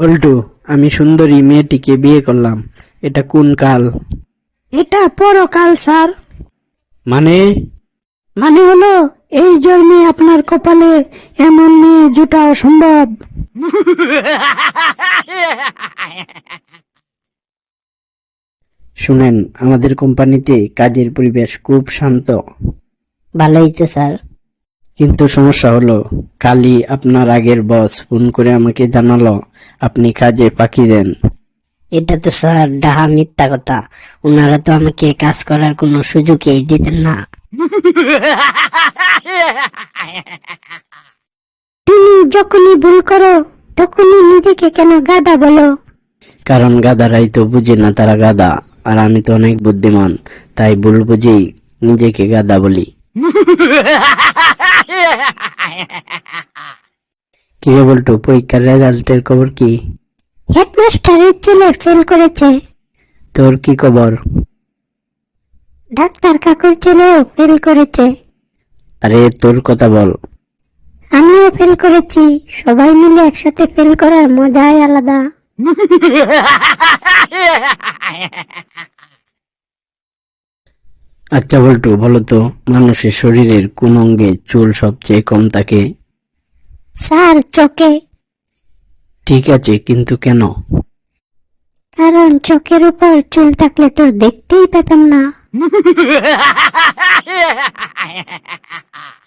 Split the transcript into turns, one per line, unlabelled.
পল্টু, আমি সুন্দরী মেয়েটিকে বিয়ে করলাম, এটা কোন কাল?
এটা পরকাল স্যার।
মানে?
মানে হলো এই জন্মে আপনার কপালে এমন মেয়ে জুটা অসম্ভব।
শুনেন, আমাদের কোম্পানিতে কাজের পরিবেশ খুব শান্ত,
ভালোই তো স্যার।
কিন্তু সমস্যা হলো কালই আপনার আগের বস ফোন করে আমাকে জানালো আপনি কাজে ফাঁকি দেন।
এটা তো স্যার ডাহা মিথ্যা কথা। ওনারা তো আমাকে কাজ করার কোনো সুযোগই দিতেন না।
তুমি যখনই ভুল করো তখনই নিজেকে কেন গাধা বলো?
কারণ গাধারাই তো বুঝে না তারা গাধা, আর আমি তো অনেক বুদ্ধিমান, তাই ভুল বুঝেই নিজেকে গাধা বলি। কিরে বল্টু, পরীক্ষার রেজাল্টের খবর কি?
হেডমাস্টারের ছেলে ফেল করেছে।
তোর কি খবর?
ডাক্তার কাকুর ছেলেও ফেল করেছে।
আরে তোর কথা বল।
আমিও ফেল করেছি। সবাই মিলে একসাথে ফেল করার মজাই আলাদা।
আচ্ছা বল্টু, বলো তো মানুষের শরীরের কোন অঙ্গে চুল সবচেয়ে কম থাকে?
স্যার, চোখে।
ঠিক আছে, কিন্তু কেন?
কারণ চোখের উপর চুল থাকলে তো দেখতেই পেতাম না।